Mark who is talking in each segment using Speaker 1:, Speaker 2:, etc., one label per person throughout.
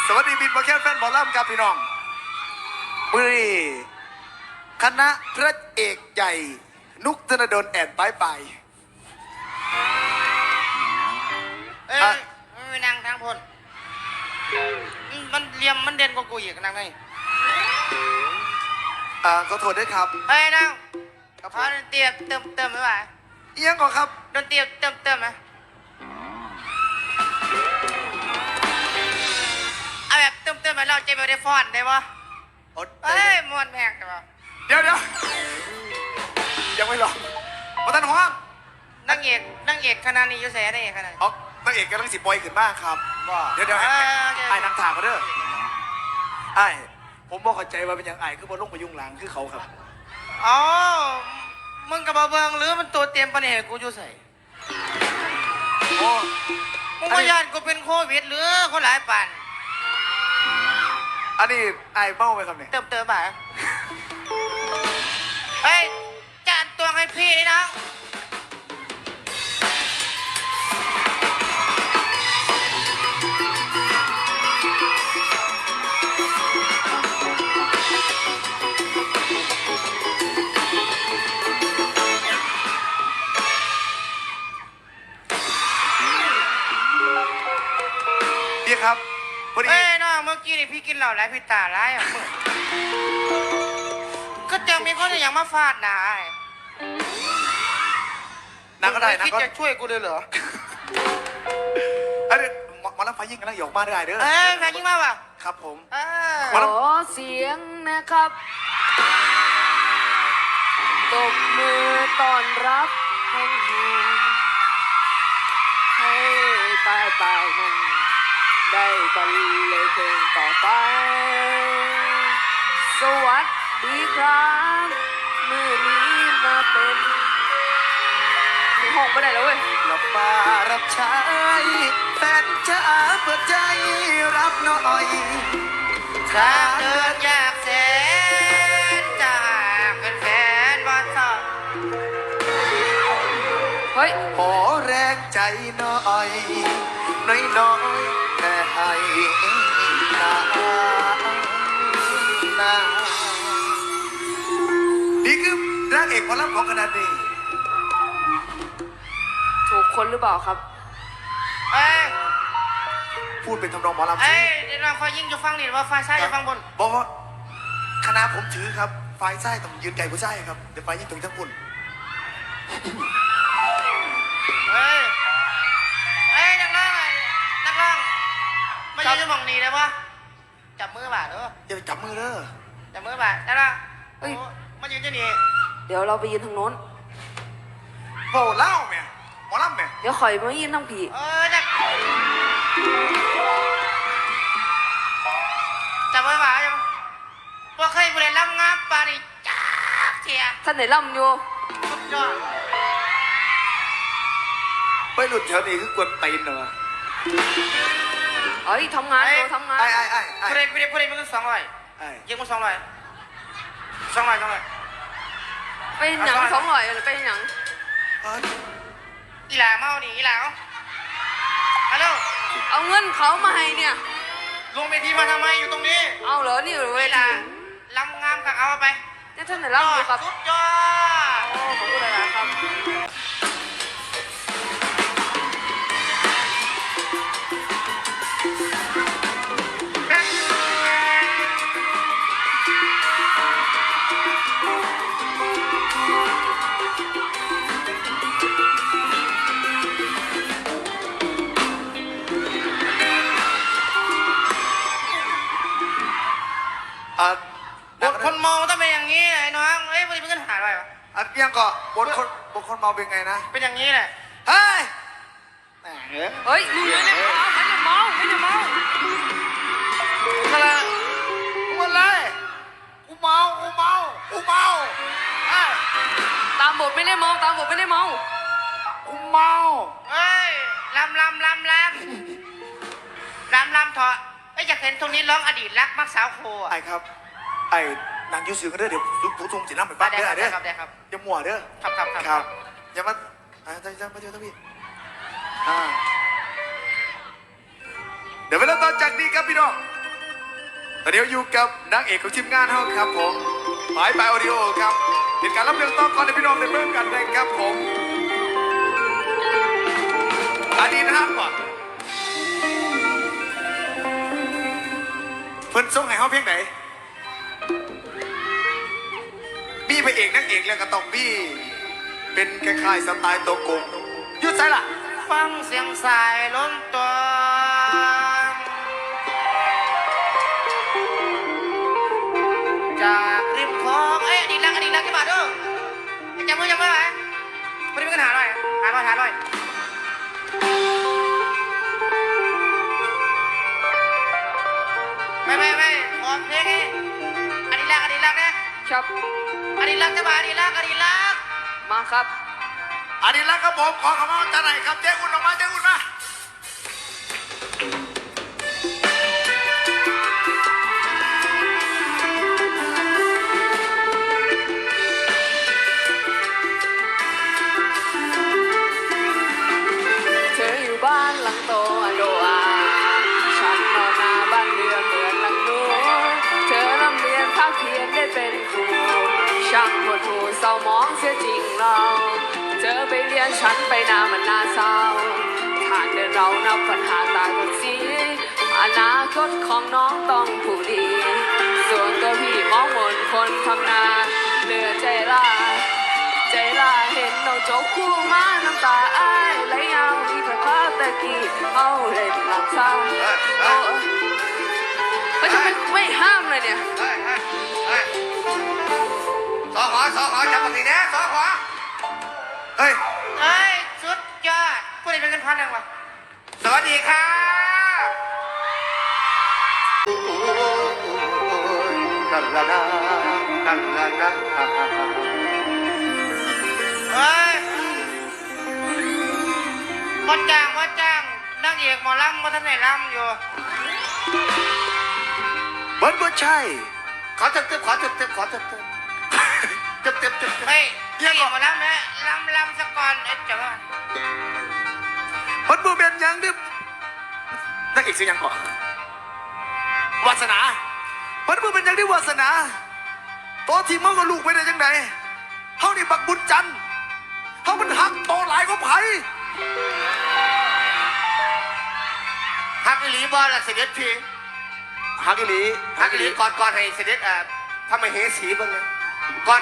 Speaker 1: สวัสดีบินมาแค่แฟนบอลล่ำครับพี่น้องมือนี้คณะพระเอกใหญ่นุกธนดลแอดไป
Speaker 2: ไม่นั่งทางพลมันเลียมมันเด่นกว่ากูอีกนั่งไง
Speaker 1: ขอโทษด้วยครับ
Speaker 2: นั่งขอดนตรีเติมไหมวะ
Speaker 1: เอียงก่อนครับ
Speaker 2: ดนตรีเติมไหมเอาแบบเติมไหมเราจะไม่ได้ฟอนได้ปะมวนแพงได้ปะ
Speaker 1: เดี๋ยวยังไม่หรอกมาตันห้อง
Speaker 2: นั่งเอกคณะนี้ยุ่เสียได้ขนาด
Speaker 1: นางเอกกำลังสิบปอยขึ้นมากครับเดี๋ยวไอ้นางถามเขาเด้อไอ้ผมบอกเข้าใจว่าเป็นอย่างไอ้คือบอลลงไปยุ่งหลังคือเขาครับ
Speaker 2: อ๋อมึงกับบาเบิงหรือมันตัวเตรียมปัญหากูยุ่ใส่มึงพยานกูเป็นโควิดหรือคนหลายปัน
Speaker 1: อันนี้ไอ้เมาไหมครับเนี่ย
Speaker 2: เติมบ่าเฮ้ยจานตัวให้พี่นะ
Speaker 1: พี่ครับพอดี
Speaker 2: น้องเมื่อกี้นี่พี่กินเหล้าไรพี่ตาไรอ่ะก็จะมีคนอย่างมาฟาดหนา
Speaker 1: นักก็ได้
Speaker 2: นะก็จะช่วยกูเลยเหรอ
Speaker 1: อันนี้มาแล้วไฟยิงกันแล้วหยอกมาได้เด้อ
Speaker 2: ไฟยิงมาป่ะ
Speaker 1: ครับผม
Speaker 3: ขอเสียงนะครับตบมือต้อนรับให้ตายนั่นได้กันเลยเพลงต่อไปสวัสดีครับมือนี้มาเป็นห้องไม่ได้แล้วเว้ย
Speaker 1: รับมารับใช้แฟนจะเปิดใจรับหน่อย
Speaker 2: ถ้าเดินอยากแสนจากเป็นแฟนบ้านสาว
Speaker 3: เฮ้ย
Speaker 1: ขอแรงใจหน่อยน้อยแต่ให้นานี่คือนางเอกหมอลำของคณะนี้
Speaker 3: ถูกคนหรือเปล่าครับ
Speaker 1: พูดเป็นทำนองหมอลำ
Speaker 2: เดี๋ยวเราคอยยิ่งจะฟังนี่ว่าฝ่ายซ้ายจะฟังบน
Speaker 1: บอกว่าคณะผมถือครับฝ่ายซ้ายต้องยืนไก่ผู้ซ้ายครับเดี๋ยวฝ่ายยิ่งถึงทั้งคุณ
Speaker 2: นักร้องไม่ใช่จะมองนี่เลยปะจับมือบาดเด้อ
Speaker 1: อย่าไปจับมือเด้อ
Speaker 2: จับมือบาดได้ละมายืนจะนี่
Speaker 3: เดี๋ยวเราไปยืนทางโน้น
Speaker 1: โหเล่าแม่หมอลำแม่
Speaker 3: เดี๋ยวข่อยมายืนทางผี
Speaker 2: จับมือบาดยังพวกเคยบริเวณลำงามปาริจ้าเชีย
Speaker 3: ท่านไหนล่ำอยู่
Speaker 2: สุดยอด
Speaker 1: ไปหลุดแถวนี้คือกวนตีนเหรอ
Speaker 3: เอ้ยทำงานอยู่ทำงาน
Speaker 2: พูดได้มันก็200ยังมัน200
Speaker 3: ไปหนัง200หรือไปหนัง
Speaker 2: อีหลาเมาหนิอีหลาฮัลโหล
Speaker 3: เอาเงินเขามาให้เนี่ย
Speaker 2: ลงเวทีมาทำไมอยู่ตรงนี้
Speaker 3: เอาเหรอนี่เวที
Speaker 2: ลำงามค่ะเอาไป
Speaker 3: เนี่ยท่านไหนล่ำอยู่ครับ
Speaker 2: สุดยอด
Speaker 3: โอ้ขอบคุณหลายๆครับ
Speaker 2: บทคนเมาต้องเป็นอย่างนี้ไอ้น้องเฮ้ยวันนี้เป็นปัญหาอะไรวะ
Speaker 1: ยังก็บทคนเมาเป็นไงนะ
Speaker 2: เป็นอย่างนี้แหละ
Speaker 1: เฮ้ย
Speaker 3: มึงไม่ได้เมา
Speaker 1: อะไรกูอะไรกูเมา
Speaker 3: ตามบทไม่ได้เมา
Speaker 1: กูเมา
Speaker 2: เฮ้ยลำเถอะอยากเห็นตรงนี้ร้องอดีตรักมักสาวโค
Speaker 1: ไอ้ครับไอ้นางยูสือกันเด้อเดี๋ยวผู้ทุ่งจีน้ำไปบ้านเด้อเด้ออย่ามัวเด้อครับอย่ามาจะมาเจอท่านพี่เดี๋ยวไปเริ่มต้นจากนี้ครับพี่น้องตอนนี้อยู่กับนางเอกของทีมงานเฮาครับผมหมายปลายออดิโอครับเป็นการรับเรื่องต่อก่อนในพี่น้องในเบื้องกันเลยครับผมอันนี้นะครับก่อนเพิ่นส่งให้เฮาเพียงไหนมีพระเอกนางเอกแล้วก็ต้องมีเป็นคล้ายๆสไตล์ตัวโกงยุดใส่ล่ะ
Speaker 2: ฟังเสียงสายล้นตัวจากริมคลองเอ้ยอดีตรักกี่บาทเด้อจำมือไหมไม่ได้มีปัญหาเลยหาร้อยไม่ขอเพลงนี้อดีตรักนะครับ อดีตรักจะมาอดีตรัก
Speaker 3: มาครับ
Speaker 1: อันนี้แล้วครับผมขอคำว่าจะไหนครับเจ๊อุ่นออกมาเจ๊อุ่นมา
Speaker 3: เธออยู่บ้านหลังโตอโดอาฉันนอนหน้าบ้านเรือนเหมือนหลังนู้นเธอร่ำเรียนภาคเพียนได้เป็นครูช่างหดหูเศร้ามองเสียจริงเราเธอไปเรียนฉันไปนามันน่าเศร้าทางเดินเรานับปัญหาตาคนสีอนาคตของน้องต้องผู้ดี ส่วนตัวพี่มองมนคนทำนาเหลือใจลาเห็นน้องโจกคู่มาน้ำตาอ้ายไหลยาวที่กระพาตะกี้เอาเล่นหลังเศร้าก็จะไม่ห้ามเลยเนี่ย
Speaker 2: สอขอจับปากดีนะสอขอ
Speaker 1: เฮ้ย
Speaker 2: สุดยอดผู้ใดเป็นเงินพันยังวะสวัสดีค่ะเฮ้ยวัดจ้างนางเอกหมอลำวัฒนไหนลำอยู่
Speaker 1: เบิร์ดบ่ใช่
Speaker 2: ขอตึบเฮ้ยนางเอกหมอลำนะลำสะก่อนจังวะ
Speaker 1: เบิร์ดบ่เป็นหยังดินางเอกชื่อหยังก่อนวาสนาเบิร์ดบ่เป็นหยังดิวาสนาตัวทีมเฮากับลูกไปได้จังไดเฮานี่บักบุญจันทร์เฮามันหักโตหลายกว่าไผ
Speaker 2: ฮักอีหลีบอลล่ะเสด็จพี่
Speaker 1: หักอีหลี
Speaker 2: ฮักอีหลีก่อนให้เสด็จพระมเหสีบ้างเลยก่อน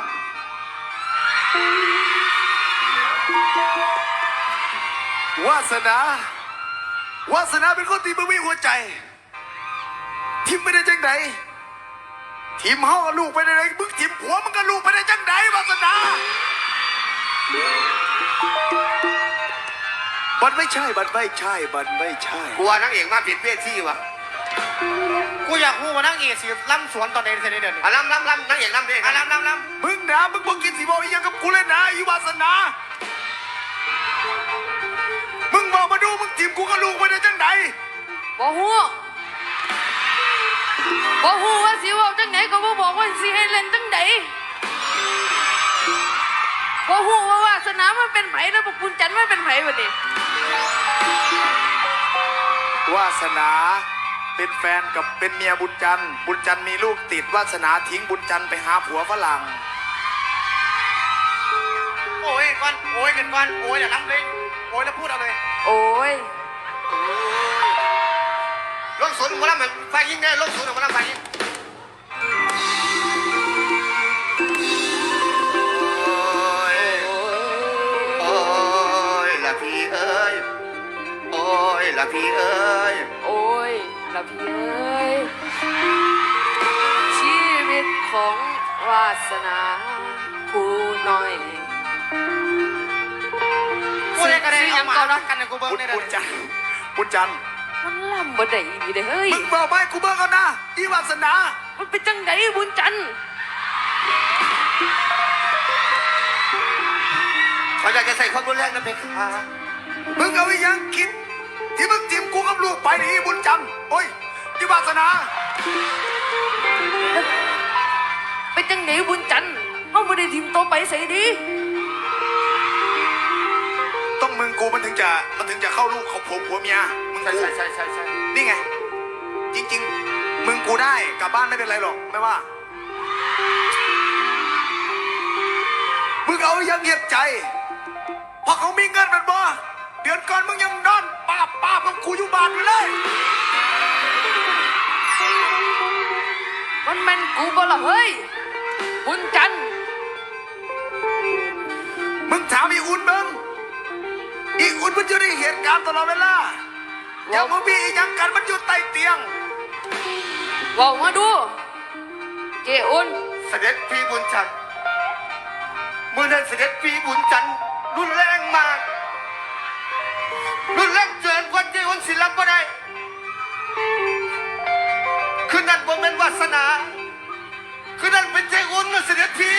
Speaker 1: วาสนเป็นคนที่บ่มีหัวใจทีมไม่ได้จังไดทีมเฮากับลูกไปได้ไงมึงทีมผัวมึงกับลูกไปได้จังไดวาสนาบันไม่ใช่
Speaker 2: กูว่านางเอกมาผิดเวทีว่ะกูอยากพูดว่านางเอกสิล่ำสวนตอนไหนเสด็จเดี๋ยวนี้ล่ำนางเอกล่ำดิล่ำ
Speaker 1: มึงนะมึงบอกกินสีบอกอีหยังกับกูเลยนะอีวาสนามึงบอกมาดูมึงทีมกูกับลูกไปได้จังได
Speaker 3: บ่ฮู้ว่าสิเว่าจังไหนก็บ่บอกว่าสิให้เล่นจังไดบ่ฮู้ว่าวาสนามันเป็นไผแล้วบอกคุณจันทร์มันเป็นไผบัดนี้
Speaker 1: วาสนาเป็นแฟนกับเป็นเมียบุญจันทร์มีลูกติดวาสนาทิ้งบุญจันทร์ไปหาผัวฝรั่ง
Speaker 2: โอ้ยก่อนโอ้ยกันก่อนโอ้ยอย่าล้ำเลยโอ้ยแล้วพูดเอาเลย
Speaker 3: โอ้ย
Speaker 2: ลงศูนย์มาแล้วมันไฟยิงได้ลงศูนย์มาแล้วไฟยิงโอ้ยละพี่เอ้ยโอ้ยละพี่เอ้ย
Speaker 3: โอ้ยละพี่เอ้ยชีวิตของวาสนาผู้น้อย
Speaker 2: กูได้ก็ได้เอามารักกันในกูเบิ้งได้เลย
Speaker 1: บุญจันทร์
Speaker 3: มันล่ำบ่ได้อีเด้เฮ้ย
Speaker 1: มึงบอกไปกูเบิ่งเอานะอีวาสนา
Speaker 3: มันเป็นจังไดบุญจันทร์
Speaker 2: เขาอยากจะใส่ความรุนแรงนั่นเป็นค่ะ
Speaker 1: มึงเอาอีหยังคิดที่มึงทีมกูกับลูกไปนี่บุญจันทร์โอ้ยอีวาสนา
Speaker 3: เป็นจังไดบุญจันทร์เฮาบ่ได้ทีมโตไปใส่ดี
Speaker 1: ต้องมึงกูมันถึงจะเข้าลูกเขาผัวเมียมึง
Speaker 2: ใช่
Speaker 1: กู
Speaker 2: ใช่
Speaker 1: นี่ไง จริงๆมึงกูได้กลับบ้านไม่เป็นไรหรอกไม่ว่ามึงเอายังเหยียบใจเพราะเขามีเงินมันบ่เดือนก่อนมึงยังนอนป้ากับกูอยู่บ้านอยู่เลย
Speaker 3: มันแม่นกูบ่ล่ะเฮ้ยบุญจันทร์
Speaker 1: มึงถามอีอุ่นมึงอีอุ่นมันอยู่ในเหตุการณ์ตลอดเวลาอย่ามึงมีอีกอย่างกันมันอยู่ใต้เตียง
Speaker 3: บอกมาดูเจอุ่น
Speaker 2: เสด็จพี่บุญจันทร์เมื่อนั้นเสด็จพี่บุญจันทร์รุนแรงมากรุนแรงเกินกว่าที่อุ่นศิลป์บ่ได้คืนนั้นบ่แม่นวาสนาคืนนั้นเป็นใจอุ่นนะเสด็จพี่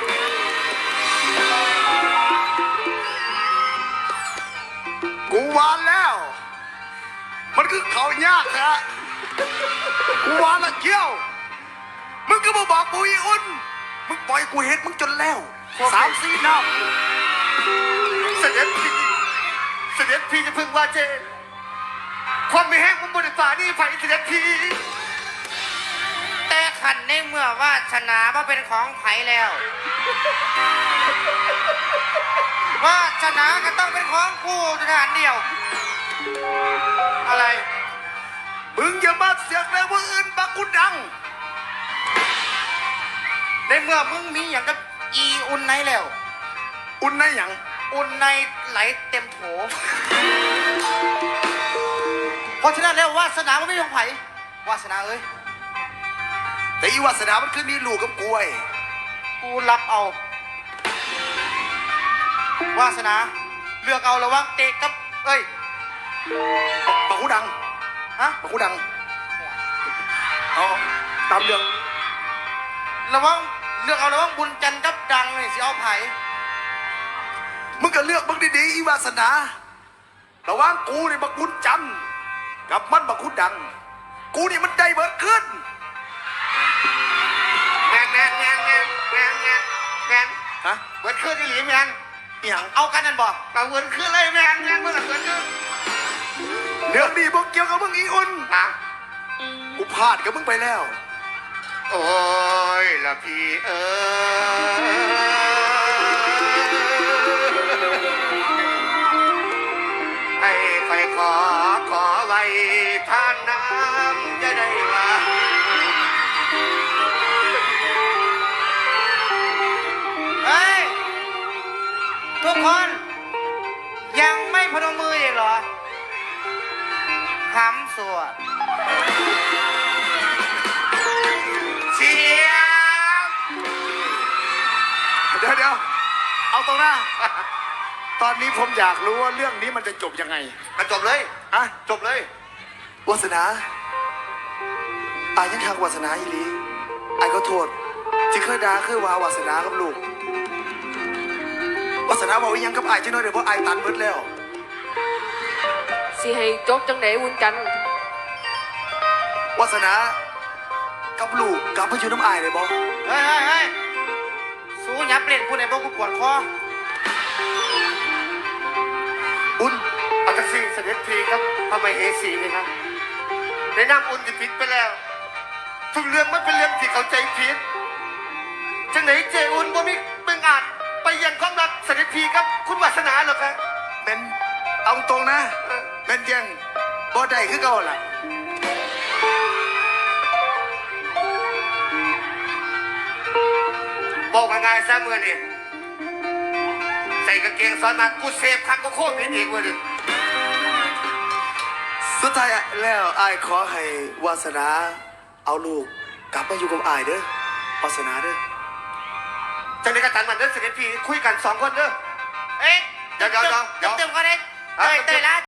Speaker 1: กูวานแล้ว มันคือเขายากฮะกูวานละเกี้ยวมึงก็มาบอกกูอีอุ่นมึงปล่อยกูเห็นมึงจนแล้ว3-4 น้ำ
Speaker 2: เสด็จพี่เสด็จพี่จะพึ่งว่าเจนความไม่แห้งมึงบนฝ่านี่ไผ่เสด็จพี่แต่ขันในเมื่อว่าชนะว่าเป็นของไผ่แล้วว่าชนะก็ต้องเป็นของกูสถานเดียวอะไร
Speaker 1: มึงอย่ามาเสียงเลยว่าอื่นบักกูดัง
Speaker 2: ในเมื่อมึงมีอย่างกับอีอุ่นในแล้ว
Speaker 1: อุ่นในหยัง
Speaker 2: อุ่นในไหลเต็มโถเพราะฉะนั้นแล้ววาสนามันไม่ของไผ่วาสนาเอ้ย
Speaker 1: แต่อีวาสนามันคือมีลูกกับกูไอ้
Speaker 2: กูรับเอาวาสนาเลือกเอาระหว่างเตะกับเอ้ย
Speaker 1: บักกูดัง
Speaker 2: ฮะ
Speaker 1: บักกูดังเอาตามเรื่อง
Speaker 2: ระหว่างเลือกเอาระหว่างบุญจันทร์กับดังนี่สิเอาไผ่
Speaker 1: มึงก็เลือกมึงดีๆอีวาสนาระหว่างกูนี่บักบุญจันทร์กับมันบักกูดังกูนี่มันได้เบิดขึ้น
Speaker 2: แมน
Speaker 1: ฮะ
Speaker 2: เบิดขึ้นที่หลีแมน
Speaker 1: อหย่าง
Speaker 2: เอากันนั่นบอกเอาเบิดขึ้นเลยแมนเมื่อไหร่เบิดขึ้น
Speaker 1: เรื่องนี้บอกเกี่ยวกับมึงอีอุ่น
Speaker 2: มา
Speaker 1: กูพลาดกับมึงไปแล้ว
Speaker 2: โอ้ยละพี่เอ๋ให้ไปขอไว้ท่านน้ำจะได้ว่าเฮ้ย ทุกคนยังไม่พนมมืออีกเหรอคำสวดเสียง
Speaker 1: เดี๋ยวเอาตรงหน้า ตอนนี้ผมอยากรู้ว่าเรื่องนี้มันจะจบยังไง
Speaker 2: มันจบเลย
Speaker 1: อะ
Speaker 2: จบเลยว
Speaker 1: าสนาอายยังทางวาสนาอีหลีอายก็โทษที่เคยด่าเคยวาวาสนากับลูกวาสนาบอกว่ายังกับอายจังน้อยเดี๋ยวเพราะอายตันเบิดแล้ว
Speaker 3: สิให้จบจังไหนบุญจันทร์
Speaker 1: วาสนากับลูกกลับมาอยู่น้ำอายเลยบอ
Speaker 2: เฮ้ยสู้ยับเล่นพูดในพวกกูปวดคอ
Speaker 1: อุ่น
Speaker 2: เอาจากสิ่งเสด็จทีครับทำไมเอสีเลยครับในนามอุ่นที่ผิดไปแล้วทุกเรื่องมันเป็นเรื่องที่เข้าใจผิดจังไหนเจอุ่นบ่มีเบิ่งอาจไปยังความรักเสด็จทีครับคุณวาสนาเหรอครับ
Speaker 1: เป็นเอาตรงนะเป็นยังบ่ได้คือเก่าล่ะ
Speaker 2: บอกง่ายๆซะเมื่อนี่ใส่กางเกงซ้อนมากูเซฟคักก็โคตรผิดอีกเว้ยดิ
Speaker 1: สุดท้ายแล้วอายขอให้วาสนาเอาลูกกลับมาอยู่กับอายเด้อวาสนาเด้อ
Speaker 2: จังไหนก็ตันมันเด้อเสด็จพี่คุยกัน2 คนเด้อเอ๊ะเดี๋ยวเต็มกันเด้เต้ยละ